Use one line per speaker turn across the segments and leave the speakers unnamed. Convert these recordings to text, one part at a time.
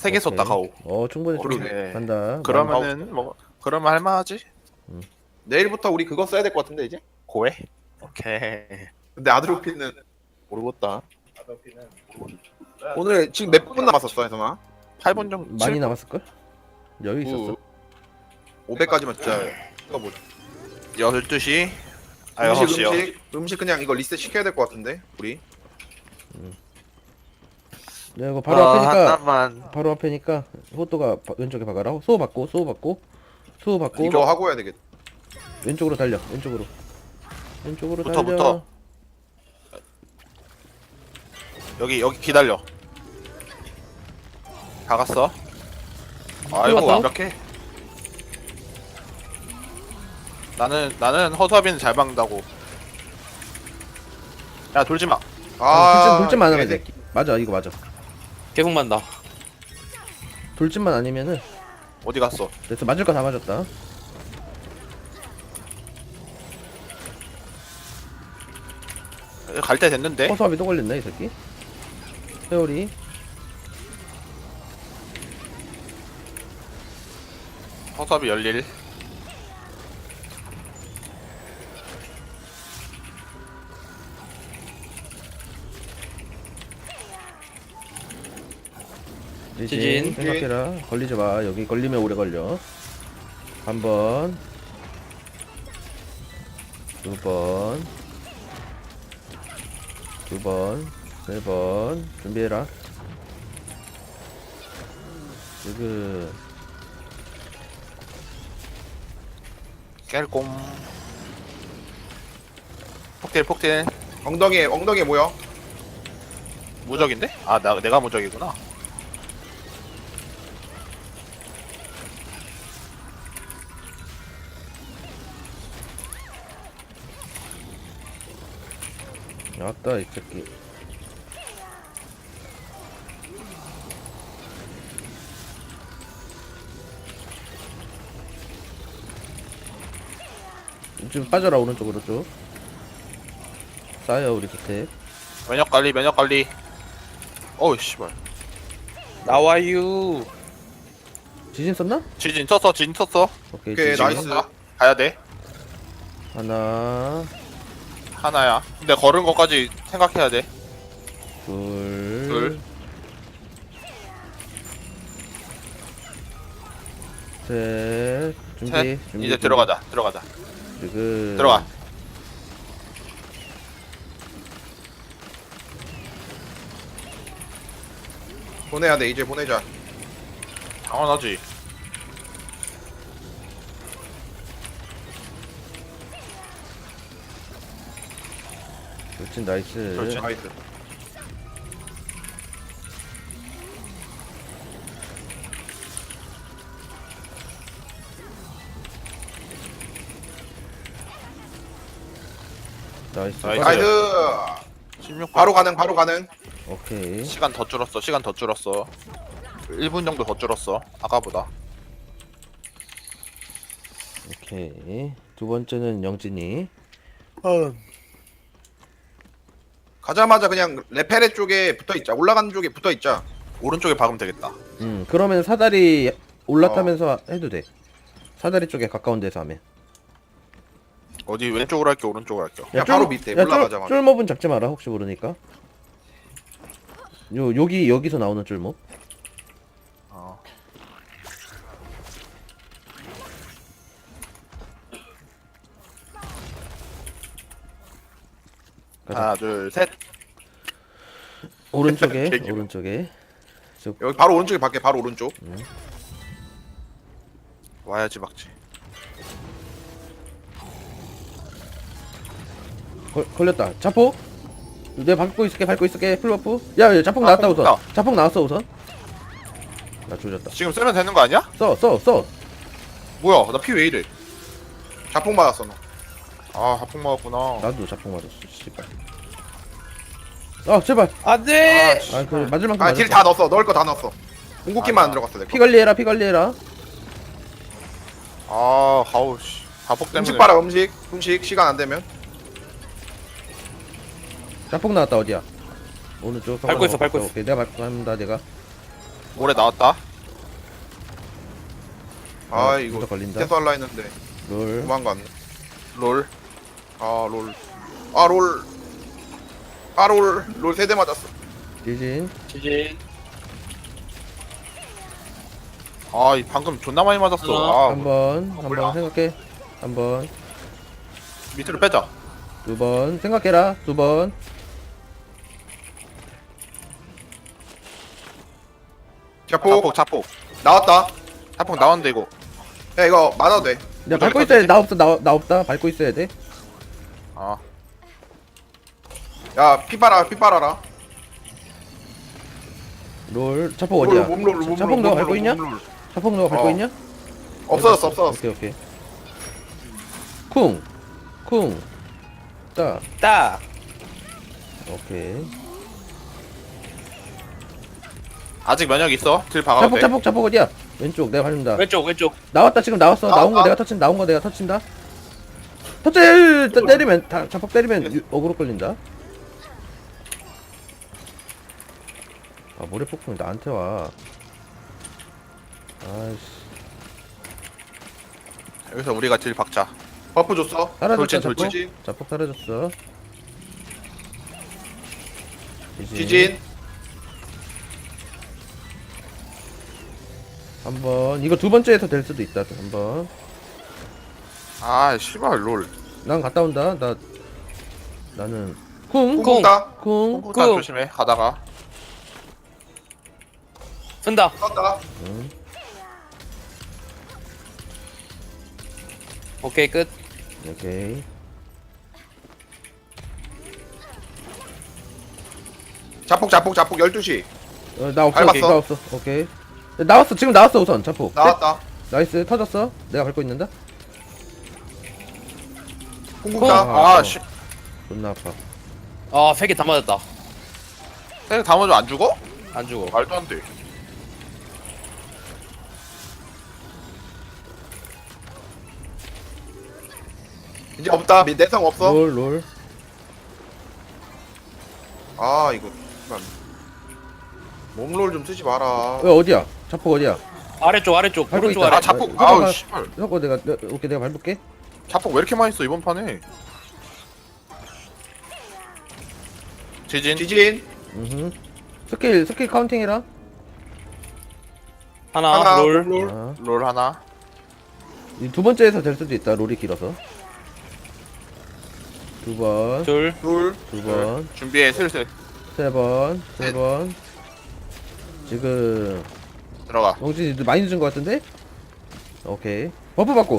세 개 썼다 가오.
충분히
그러네.
간다.
그러면은 뭐 그러면 할만하지.
내일부터 우리 그거 써야 될 것 같은데 이제.
고해. 오케이.
근데 아드로피는 모르겠다.
아드로피는
오늘 지금 몇 분 남았었어, 해서나?
8분 정도.
많이 남았을걸? 여유 있었어.
500까지만 진짜 찍어보자.
12시. 아
음식
6시요.
음식 그냥 이거 리셋 시켜야 될 것 같은데 우리.
야, 이거 바로 앞에니까
하나만.
바로 앞에니까 호또가 왼쪽에 박아라. 수호 받고
이거 하고 해야 되겠다.
왼쪽으로 달려. 왼쪽으로
붙어,
달려.
붙어. 여기 기다려. 다 갔어. 아이고
왔다?
완벽해. 나는 허수아비는 잘 박는다고. 야 돌지 마.
돌진 안 하면 돼.
개새끼.
맞아, 이거 맞아.
계속 만다.
돌진만 아니면은
어디 갔어?
됐어. 맞을 거 다 맞았다.
갈 때 됐는데.
허수아비 또 걸렸네 이 새끼. 세월이
허수아비 열릴.
지진.
생각해라. 걸리지 마. 여기 걸리면 오래 걸려. 한 번, 두 번, 두 번, 세 번. 준비해라. 지금
깰꼼. 폭딜.
엉덩이에 뭐야?
무적인데? 아 내가 무적이구나.
왔다 이 새끼. 좀 빠져라. 오른쪽으로 쭉 쌓여 우리 곁에.
면역 관리. 어우 씨발.
나와유.
지진 썼나?
지진 쳤어.
오케이,
오케이,
지진.
나이스.
가야 돼.
하나,
하나야. 근데 걸은 것까지 생각해야 돼.
둘, 셋. 준비.
셋.
준비.
이제 들어가자.
지금
들어가.
보내야 돼. 이제 보내자.
당연하지.
돌진 나이스.
돌진.
나이스.
나이스.
나이스.
나이스.
16분.
바로 가능.
오케이.
시간 더 줄었어. 1분 정도 더 줄었어. 아까보다.
오케이. 두 번째는 영진이.
가자마자 그냥 레페레 쪽에 붙어 있자. 올라가는 쪽에 붙어 있자.
오른쪽에 박으면 되겠다.
그러면 사다리 올라타면서 해도 돼. 사다리 쪽에 가까운 데서 하면.
어디 왼쪽으로 할게, 오른쪽으로 할게.
그냥 바로 밑에 올라가자마자.
쫄몹은 잡지 마라. 혹시 모르니까. 여기서 나오는 쫄몹.
어.
가자.
하나, 둘, 셋.
오른쪽에
개기분.
오른쪽에.
여기 바로 오른쪽에 밖에 바로 오른쪽.
와야지 막지.
걸렸다. 자폭. 내가 밟고 있을게. 풀버프. 야, 자폭 나왔다 우선.
나왔다.
자폭 나왔어 우선. 나 조졌다.
지금 쓰면 되는 거 아니야?
써.
뭐야, 나 피 왜 이래?
자폭 맞았어 너.
아, 하풍 먹었구나.
나도 자폭 맞았어. 씨발. 제발.
안돼.
그 맞을 만큼
딜
맞았어.
다 넣었어. 넣을 거 다 넣었어. 궁극기만 안 들어갔어 내가.
피 관리해라.
아, 하우 씨. 자폭 때문에.
음식 봐라. 음식 시간 안 되면.
자폭 나왔다. 어디야? 오른쪽.
밟고 있어.
오케이, 내가 밟고 합니다. 내가.
모래 나왔다.
아 이거
무적 걸린다.
계속 할라 했는데
롤.
도망갔네.
롤.
아 롤. 아 롤. 아 롤. 롤 3대 맞았어.
지진.
지진.
아, 이 방금 존나 많이 맞았어. 아,
한번
몰라.
생각해. 한번
밑으로 빼자.
두 번 생각해라. 두 번.
자폭
자폭, 자폭.
나왔다.
자폭 나왔는데 이거.
야 이거 맞아도 돼.
야 밟고 있어야 돼. 나 없어. 나 없다. 밟고 있어야 돼.
아,
야 피빨아 피빨아라.
롤. 자폭 어디야? 자폭 너가 밟고 있냐? 자폭 너가 밟고
어.
있냐?
없어졌어 없어졌어.
오케이 오케이. 쿵. 쿵. 따.
딱.
오케이.
아직 면역 있어. 딜 박아도
자폭
돼.
자폭 자폭 어디야? 왼쪽 내가 밟는다.
왼쪽 왼쪽.
나왔다 지금 나왔어. 나온 거
나왔다.
내가 터친다. 나온 거 내가 터친다. 터치 때리면 다 자폭 때리면 어그로 끌린다. 아 모래 폭풍이 나한테 와. 아이씨.
여기서 우리가 딜 박자.
버프 줬어.
사라졌다
돌진,
자폭.
돌진.
자폭 사라졌어.
지진.
한번 이거 두 번째에서 될 수도 있다. 한번.
아, 씨발 롤.
난 갔다 온다. 나는 쿵.
쿵쿵따.
쿵.
콩콩 조심해. 가다가.
쓴다.
쏜다.
오케이 끝.
오케이.
자폭 자폭 자폭 12시.
나 없어.
밟았어.
나 없어. 오케이. 야, 나왔어. 지금 나왔어 우선 자폭.
나왔다.
나이스 터졌어. 내가 밟고 있는다.
쿵쿵따.
아, 씨.
존나 아파.
아 3개 다 맞았다.
쟤 다 먼저 안 죽어?
안 죽어.
말도 안 돼.
이제 없다. 내성 없어.
롤.
아 이거 씨발. 몸롤 좀 쓰지 마라.
어디야? 자폭 어디야?
아래쪽 아래쪽
밟고
오른쪽
있다.
아래.
아, 자폭.
잠깐만.
아우, 씨발.
섞어 오케이 내가 밟을게.
자폭 왜 이렇게 많이 써 이번 판에? 지진.
지진.
스킬 카운팅 해라.
하나, 롤.
몸롤.
아,
롤 하나.
이 두 번째에서 될 수도 있다. 롤이 길어서. 두 번,
둘.
둘.
두 번,
준비해 슬슬
세 번, 세 번. 지금
들어가.
영진이 많이 늦은 것 같은데? 오케이. 버프 받고.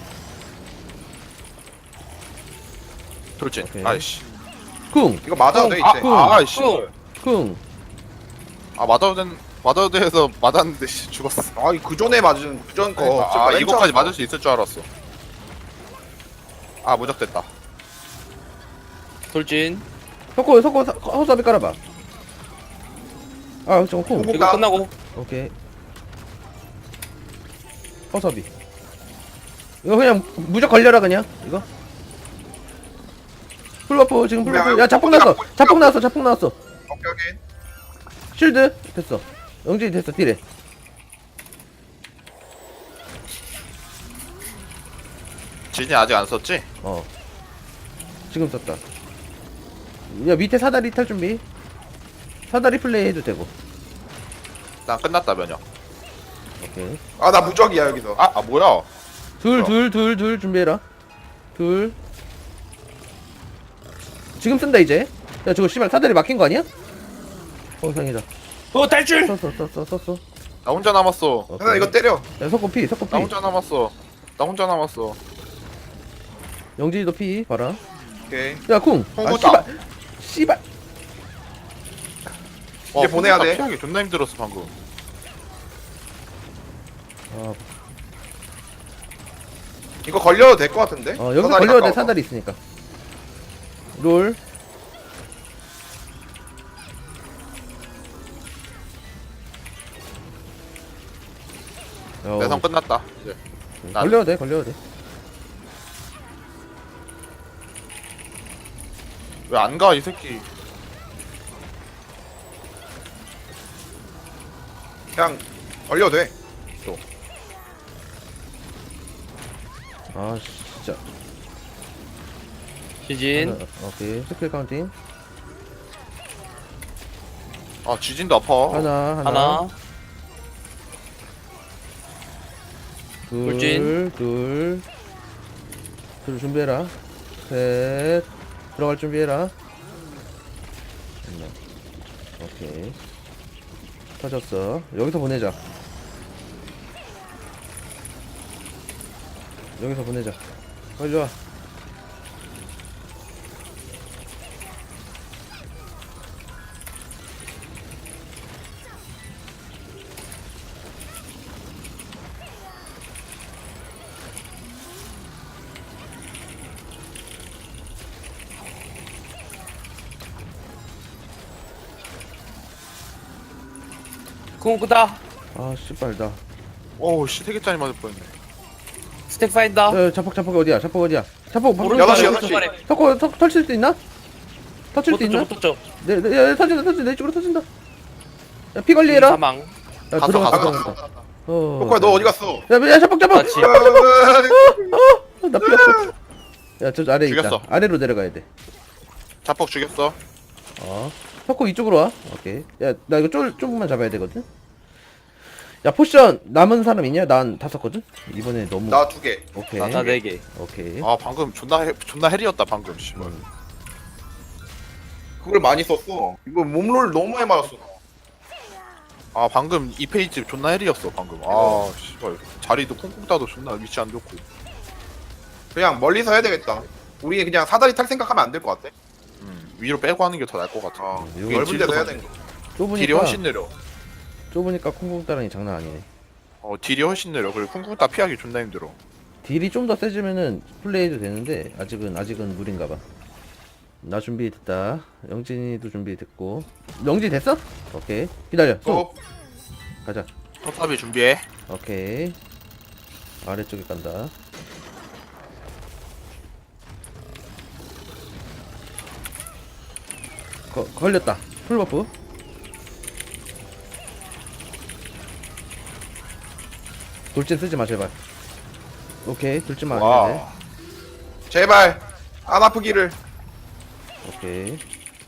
돌진.
오케이.
아이씨.
쿵,
이거 맞아도 돼 이제.
아이씨.
쿵.
아, 맞아도 돼서 맞았는데 씨, 죽었어.
아이 그 전에 맞은 그전 거.
아, 이거까지 맞을 수 있을 줄 알았어. 아, 무적됐다.
돌진.
섞어 허수아비 깔아봐. 아, 저거 쿵.
쿵.
이거 끝나고.
오케이. 허수아비. 이거 그냥 무적 걸려라 그냥. 이거. 풀버프 지금 풀버프. 야 자폭 나왔어. 자폭 나왔어.
오케이 오케이.
쉴드 됐어. 영진이 됐어. 딜해.
진이 아직 안 썼지?
어. 지금 썼다. 야 밑에 사다리 탈 준비. 사다리 플레이 해도 되고.
난 끝났다 면역.
오케이.
아 나 무적이야 여기서.
아, 뭐야?
둘 준비해라. 둘. 지금 쓴다 이제. 야 저거 씨발 사다리 막힌 거 아니야? 상이다.
탈출.
썼어.
나 혼자 남았어.
오케이.
나 이거 때려.
야 석고 피.
나 혼자 남았어.
영진이도 피 봐라.
오케이.
야 쿵. 아
쿵쿵
씨발.
이제 보내야 돼.
피하기 존나 힘들었어 방금.
아,
이거 걸려도 될 것 같은데.
여기서
사다리
걸려도 돼.
가까워서.
사다리 있으니까. 롤.
내성 끝났다. 이제.
걸려도 돼.
왜 안 가 이 새끼?
그냥 얼려도 돼.
아 진짜.
시진.
오케이 스킬 카운팅.
아 지진도 아파.
하나
하나.
둘, 둘 준비해라. 셋 들어갈 준비해라. 하나. 오케이 터졌어. 여기서 보내자. 여기서 보내자. 빨리 와.
궁 끄다.
아 씨발 나.
오우 씨 세개짜리 맞을 뻔했네.
스택 쌓인다.
자폭 어디야? 자폭 어디야? 자폭
오른쪽
여섯 시,
아래,
여섯 시.
오른쪽 아래.
터칠 수 있나? 터칠
못
수 있나?
떴죠, 못 떴죠.
야, 터진다. 내 쪽으로 터진다. 야, 피 관리해라. 야,
사망.
갔어,
들어가.
갔어.
어.
너 어디 갔어?
야, 자폭.
같이.
나 피었어. 야, 저 아래
죽였어.
있다. 아래로 내려가야 돼.
자폭 죽였어.
터코 이쪽으로 와. 오케이. 야, 나 이거 조금만 잡아야 되거든. 야, 포션 남은 사람 있냐? 난 다 썼거든. 이번에 너무.
나 2개.
오케이.
나 4개.
오케이.
아 방금 존나 헬이었다 방금. 씨발.
그걸 많이 썼어. 이거 몸롤 너무 많이 맞았어.
아 방금 이 페이지 존나 헬이었어 방금. 아 씨발 자리도 콩콩 따도 존나 위치 안 좋고.
그냥 멀리서 해야 되겠다. 우리 그냥 사다리 탈 생각하면 안 될 것 같아.
위로 빼고 하는 게 더 나을 것 같아.
이거
넓은 데서 해야 되는 거.
딜이
좁으니까
훨씬 느려.
좁으니까 콩콩 따랑이 장난 아니네.
딜이 훨씬 느려. 그리고 쿵쿵 따 피하기 존나 힘들어.
딜이 좀 더 세지면은 플레이도 되는데 아직은 무리인가봐. 나 준비됐다. 영진이도 준비됐고. 영진 됐어? 오케이. 기다려.
또
가자.
톱탑이 준비해.
오케이. 아래쪽에 간다. 걸렸다. 풀버프. 돌진 쓰지 마 제발. 오케이. 돌진만 안 해야 돼.
와.
제발 안 아프기를.
오케이.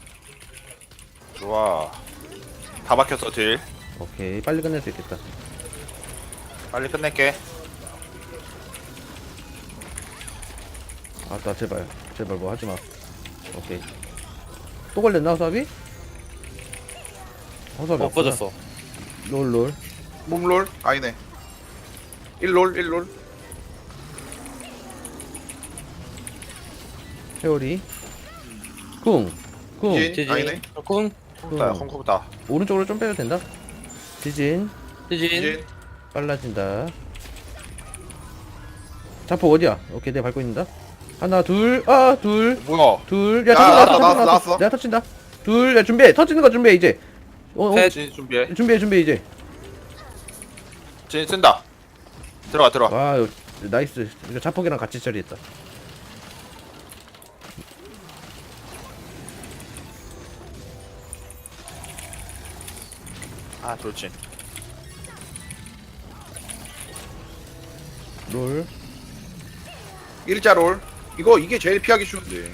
좋아. 다 박혔어 딜.
오케이. 빨리 끝낼 수 있겠다.
빨리 끝낼게.
아따 제발 뭐 하지마. 오케이. 또 걸렸나 허수아비? 허수아비 없구나.
엎어졌어.
롤.
몸롤 아니네. 1롤.
회오리. 쿵.
진
지진.
아니네.
궁.
쿵쿵따 쿵쿵따.
오른쪽으로 좀 빼도 된다. 지진.
시진.
진
빨라진다. 자폭 어디야? 오케이 내가 밟고 있는다. 하나 둘.
뭐야?
둘. 야
야,
터진다.
나왔어.
내가 터친다. 둘. 야 준비해. 터지는 거 준비해 이제.
셋.
진 준비해.
준비해 이제.
진 쓴다. 들어가.
와 이거 나이스. 이거 자폭이랑 같이 처리했다.
아 돌진.
롤.
일자 롤. 이게 제일 피하기 쉬운데.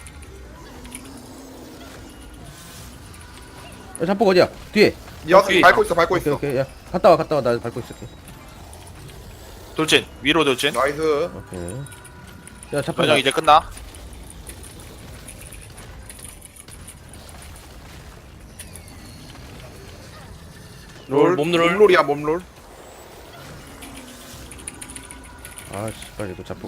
야, 자폭 어디야? 뒤에.
여섯 밟고 있어.
오케이. 야 갔다 와. 나 밟고 있을게.
돌진. 위로 돌진.
나이스.
오케이. 야 자폭.
전형 이제 끝나.
몸롤.
몸롤이야 몸롤.
아 씨발 이거 자폭.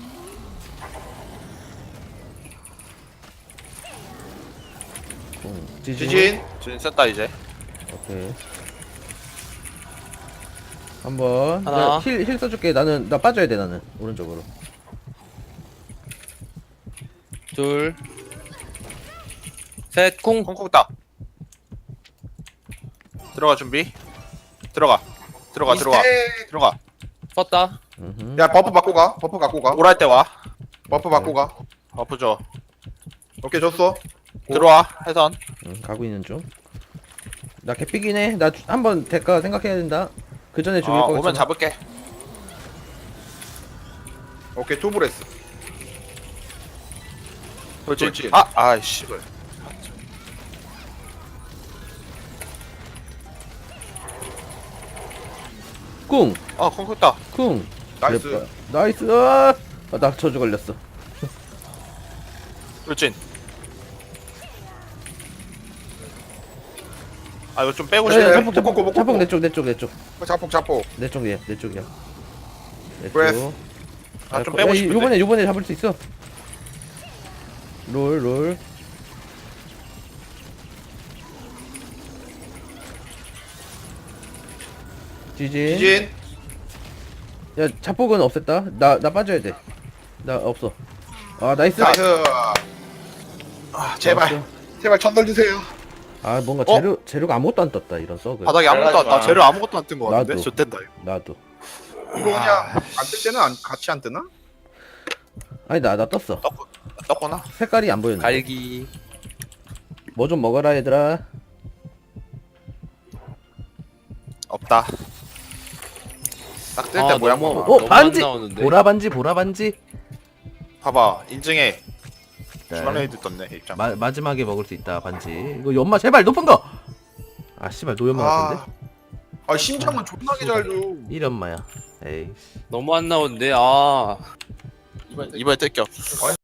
지진.
진 썼다 이제.
오케이. 한번
하나.
힐 써줄게. 나 빠져야 돼. 나는 오른쪽으로.
둘. 셋. 궁.
쿵쿵따. 들어가 준비. 들어가.
미스텍.
들어가.
껐다.
야 버프 갖고 가.
오랄 때 와.
버프 갖고 가.
버프 줘.
오케이 줬어.
들어와. 해선.
가고 있는 중. 나 개삐긴 해. 나 한번 될까 생각해야 된다. 그 전에 죽일
아
거
오면
같잖아.
잡을게.
오케이 투브레스.
돌진.
돌진.
아이씨.
꿍!
콩콩다.
쿵!
나이스.
그래, 나이스! 아, 나 저주 걸렸어.
돌진. 아 이거 좀 빼고
야,
싶네.
야, 자폭, 자폭,
꼬꼬꼬,
자폭,
꼬꼬.
내 쪽, 내 쪽, 내 쪽.
자폭 자폭.
내 쪽이야, 내 쪽이야. 내
브레스.
쪽.
아, 좀 빼고 싶은데.
요번에 잡을 수 있어. 롤. 지진.
지진.
야, 자폭은 없앴다. 나 빠져야 돼. 나 없어. 아, 나이스.
나이스. 제발
나이스.
제발 천덜 주세요.
아, 뭔가
어?
재료가 아무것도 안 떴다. 이런 썩을.
바닥에 아무것도
잘하지
안,
마.
재료 아무것도 안 뜬 거 같은데.
나도.
좋댄다 이거.
나도.
이거 그냥 안 뜰 때는 같이 안 뜨나?
아니, 나 떴어.
떴구나.
색깔이 안 보였네.
갈기.
뭐 좀 먹어라, 얘들아.
없다. 딱 뜰 때
아,
모양
너무-
봐봐.
어,
너무
반지!
안 나오는데?
보라 반지.
봐봐. 인증해.
네.
주말레이드 떴네 입장.
마지막에 먹을 수 있다, 반지. 이거 연마 제발 높은 거! 아, 씨발, 노연마 같은데?
아 심장은 존나게 잘 줘.
1연마야. 에이.
너무 안 나오는데 아
이번에 뜰겨.
아니